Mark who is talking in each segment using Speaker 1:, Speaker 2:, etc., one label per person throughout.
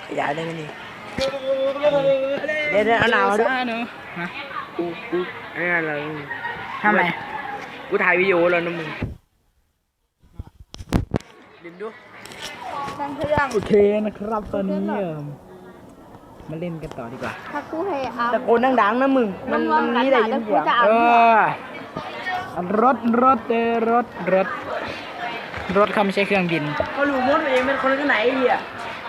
Speaker 1: อย่าได้ไหมนี่เดี๋ยวเอาหนาวด้วย
Speaker 2: ฮะ
Speaker 1: กูอันนี้อะไร
Speaker 2: ทำไม
Speaker 1: กูถ่ายวิดีโอแล้วนะมึงดึงดู
Speaker 3: ตั้งเครื่อง
Speaker 2: โอเคนะครับตอนนี้มาเล่นกันต่อดีกว่า
Speaker 3: ถ้ากูให้อา
Speaker 1: ตะโกนดังๆนะมึงมันนี่ได้ยินเสียง
Speaker 2: เออรถเขาไม่ใช่เครื่องบิน
Speaker 1: เขารู้มดเองเป็นคนที่ไหนไอ้เหี้ย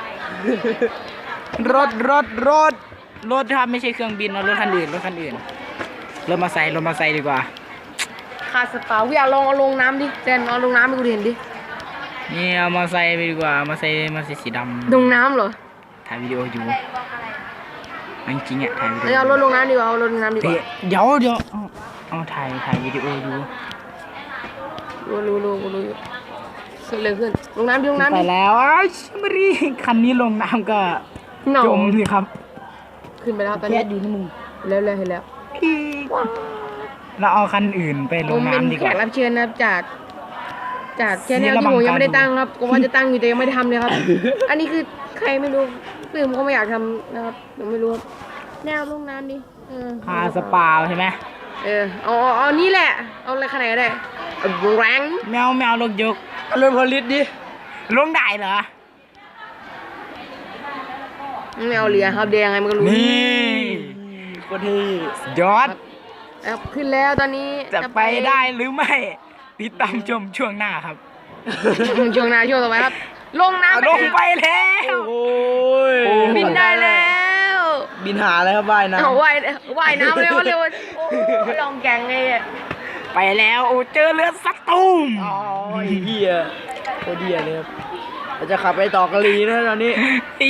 Speaker 2: รถครับไม่ใช่เครื่องบินเอารถคันอื่นรถมาใส่ดีกว่า
Speaker 3: ขาดสปาวิอยากลองเอาลงน้ำดิเจนเอาลงน้ำให้กูเห็นดิ
Speaker 2: นี่เอามาใส่ไปดีกว่ามาใส่สีดำ
Speaker 3: ลงน้ำเหรอ
Speaker 2: ถ่ายวิดีโออยู่จริงๆอ่ะถ่ายวิดีโอ
Speaker 3: เอารถลงน้ำดีกว่าเอารถลงน้ำดีกว่า
Speaker 2: เดี๋ยวเอาถ่ายวิดีโออยู่
Speaker 3: รู้อยู่เกิดอะไรขึ้นลงน้ำดิลงน้ำ
Speaker 2: ไป
Speaker 3: ดิ
Speaker 2: แล้วมารีคันนี้ลงน้ำก็
Speaker 3: หนาว
Speaker 2: จมสิครับ
Speaker 3: ขึ้นไปแล้วตอน
Speaker 2: แค่
Speaker 3: นี้
Speaker 2: ดีนะมึง
Speaker 3: แล้วเห็นแล้ว
Speaker 2: เราเอาคันอื่นไปล
Speaker 3: ผ
Speaker 2: ง
Speaker 3: มเป็น
Speaker 2: น้ำดี
Speaker 3: แข
Speaker 2: กว่าก
Speaker 3: รับเชิญนะครับจากแชนแนลที่ผมยังไม่ได้ตั้งครับก็ว่าจะตั้งอยู่แต่ยังไม่ได้ทำเลยครับ อันนี้คือใครไม่รู้คือผมก็ไม่อยากทำนะครับผมไม่รู้แนวลงน้ำดิ
Speaker 2: พาสปาใช่ไหม
Speaker 3: เอานี่แหละเอาอะไรขนาดก็ได้แรง
Speaker 2: แมวลงยก
Speaker 1: เอาเรื่องพลิตดิ
Speaker 2: ลงได้เหรอ
Speaker 3: ไม่เอาเรือครับเดียยังไงมันก็รู้
Speaker 2: นี่
Speaker 1: คนที่
Speaker 2: ยอด
Speaker 3: ครับขึ้นแล้วตอนนี้
Speaker 2: จะไปได้หรือไม่ติดตามชมช่วงหน้าครับ
Speaker 3: ช่วงหน้าช่วงต่อไปครับ ลงน้ำ
Speaker 2: ลงไปแล้ว
Speaker 1: โอ้ย
Speaker 3: บินได้แล้ว
Speaker 1: บินหาอะไรครับว่ายน้ำ
Speaker 3: เอาว่ายน้ำเร็วโอ้ลองแกงไงอ่ะ
Speaker 2: ไปแล้วโอ้เจอเรือสักตูม
Speaker 1: อ๋อไอ้เหี้ยโคตรเหี้ยเลยครับเราจะขับไปต่อกะลีนะตอนนี้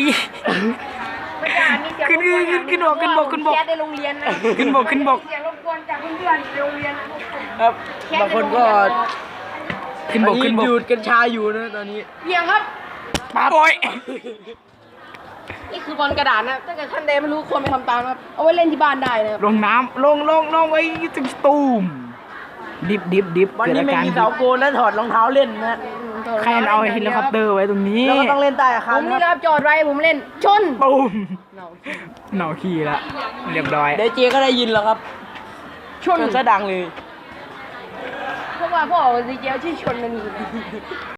Speaker 2: ขึ้นบก
Speaker 3: แค่ในโรงเรียนนะ
Speaker 2: ขึ้นบก
Speaker 3: เสียงรบกวนจากเพื่อนๆในโรงเรียน
Speaker 1: ครับบางคนก็
Speaker 2: ขึ้นบก
Speaker 1: ดูดกัญชาอยู่นะตอนนี้
Speaker 3: เพียงครับ
Speaker 2: ป้าบอย
Speaker 3: นี่คือบอลกระดาษนะถ้าเกิดท่านใดไม่รู้ควรไปทำตามครับเอาไว้เล่นที่บ้านได้นะครับ
Speaker 2: ลงน้ำลงไว้ถึงตูมดิบ
Speaker 1: วันนี้ไม่มีเสาโกนและถอดรองเท้าเล่นนะ
Speaker 2: ใครเอาเฮลิคอปเตอร์ไว้ตรงนี้
Speaker 1: แล้วก็ต้องเล่นใต้อา
Speaker 3: ผ
Speaker 1: คาร
Speaker 3: มนี่
Speaker 1: ค
Speaker 3: นะครับ รับจอดไว้ผมเล่นชน
Speaker 2: ตูมเหนาขี่ละเรียบร้อย
Speaker 1: เดี๋ยวเจก็ได้ยินแล้วครับชนซะดังเลย
Speaker 3: เพราะว่าพ่อของซีเจลชื่อชนนั่นเอง